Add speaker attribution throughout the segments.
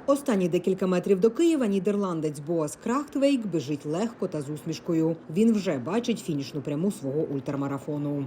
Speaker 1: Останні декілька метрів до Києва нідерландець Боас Крахтвейк біжить легко та з усмішкою. Він вже бачить фінішну пряму свого ультрамарафону.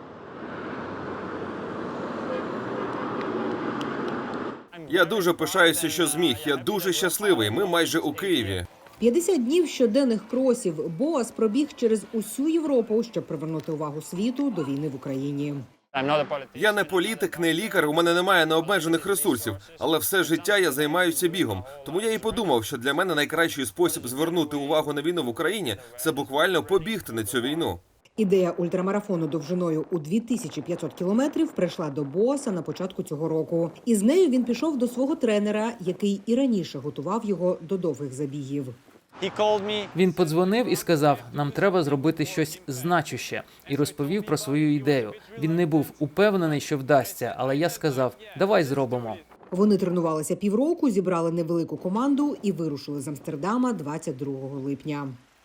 Speaker 2: Я дуже пишаюся, що зміг. Я дуже щасливий. Ми майже у Києві.
Speaker 1: 50 днів щоденних кросів. Боас пробіг через усю Європу, щоб привернути увагу світу до війни в Україні.
Speaker 2: Я не політик, не лікар, у мене немає необмежених ресурсів, але все життя я займаюся бігом. Тому я і подумав, що для мене найкращий спосіб звернути увагу на війну в Україні – це буквально побігти на цю війну.
Speaker 1: Ідея ультрамарафону довжиною у 2500 кілометрів прийшла до Боаса на початку цього року. І з нею він пішов до свого тренера, який і раніше готував його до довгих забігів.
Speaker 3: Він подзвонив і сказав, нам треба зробити щось значуще, і розповів про свою ідею. Він не був упевнений, що вдасться, але я сказав, давай зробимо.
Speaker 1: Вони тренувалися півроку, зібрали невелику команду і вирушили з Амстердама 22 липня.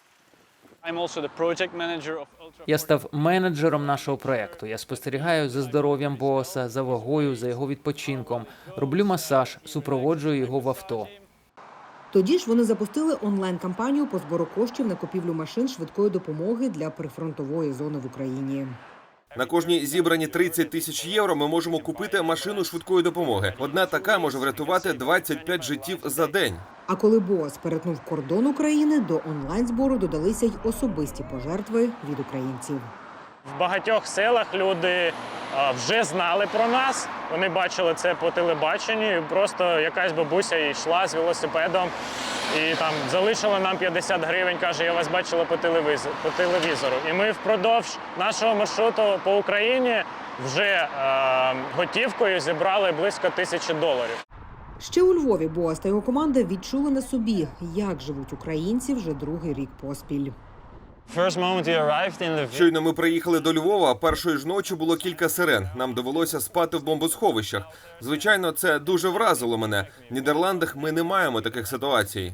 Speaker 3: Я став менеджером нашого проєкту. Я спостерігаю за здоров'ям Боаса, за вагою, за його відпочинком. Роблю масаж, супроводжую його в авто.
Speaker 1: Тоді ж вони запустили онлайн-кампанію по збору коштів на купівлю машин швидкої допомоги для прифронтової зони в Україні.
Speaker 2: На кожні зібрані 30 тисяч євро ми можемо купити машину швидкої допомоги. Одна така може врятувати 25 життів за день.
Speaker 1: А коли Боас перетнув кордон України, до онлайн-збору додалися й особисті пожертви від українців.
Speaker 4: В багатьох селах люди вже знали про нас, вони бачили це по телебаченню, просто якась бабуся йшла з велосипедом і там залишила нам 50 гривень, каже, я вас бачила по телевізору. І ми впродовж нашого маршруту по Україні вже готівкою зібрали близько $1000.
Speaker 1: Ще у Львові Боас та його команда відчули на собі, як живуть українці вже другий рік поспіль.
Speaker 2: Щойно ми приїхали до Львова, першої ж ночі було кілька сирен. Нам довелося спати в бомбосховищах. Звичайно, це дуже вразило мене. В Нідерландах ми не маємо таких ситуацій.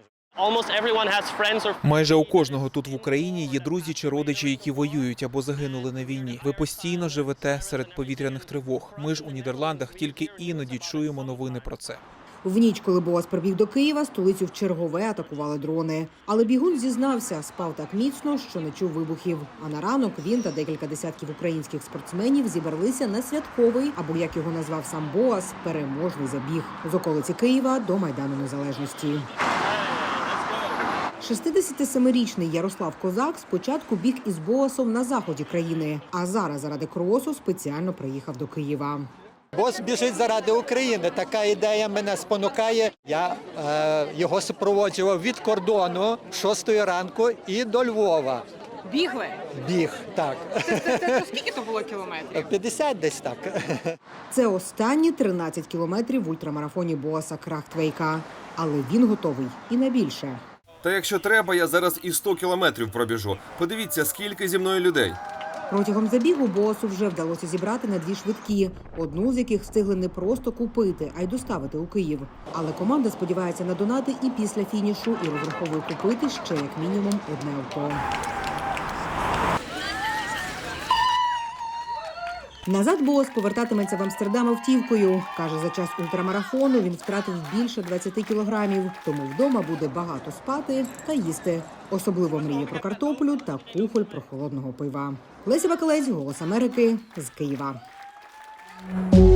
Speaker 5: Майже у кожного тут в Україні є друзі чи родичі, які воюють або загинули на війні. Ви постійно живете серед повітряних тривог. Ми ж у Нідерландах тільки іноді чуємо новини про це.
Speaker 1: В ніч, коли Боас прибіг до Києва, столицю вчергове атакували дрони. Але бігун зізнався, спав так міцно, що не чув вибухів. А на ранок він та декілька десятків українських спортсменів зібралися на святковий, або, як його назвав сам Боас, переможний забіг з околиці Києва до Майдану Незалежності. 67-річний Ярослав Козак спочатку біг із Боасом на заході країни, а зараз заради кросу спеціально приїхав до Києва.
Speaker 6: Бос біжить заради України. Така ідея мене спонукає. Я його супроводжував від кордону 6 ранку і до Львова.
Speaker 7: Бігли?
Speaker 6: Біг, так.
Speaker 7: Це скільки то було кілометрів?
Speaker 6: 50 десь так.
Speaker 1: Це останні 13 кілометрів в ультрамарафоні Боаса Крахтвейка. Але він готовий і на більше.
Speaker 2: Та якщо треба, я зараз і 100 кілометрів пробіжу. Подивіться, скільки зі мною людей.
Speaker 1: Протягом забігу Боасу вже вдалося зібрати на 2 швидкі, одну з яких встигли не просто купити, а й доставити у Київ. Але команда сподівається на донати і після фінішу, і розраховує купити ще як мінімум одне авто. Назад Боас повертатиметься в Амстердам автівкою. Каже, за час ультрамарафону він втратив більше 20 кілограмів, тому вдома буде багато спати та їсти. Особливо мріє про картоплю та кухоль прохолодного пива. Леся Вакалець, Голос Америки, з Києва.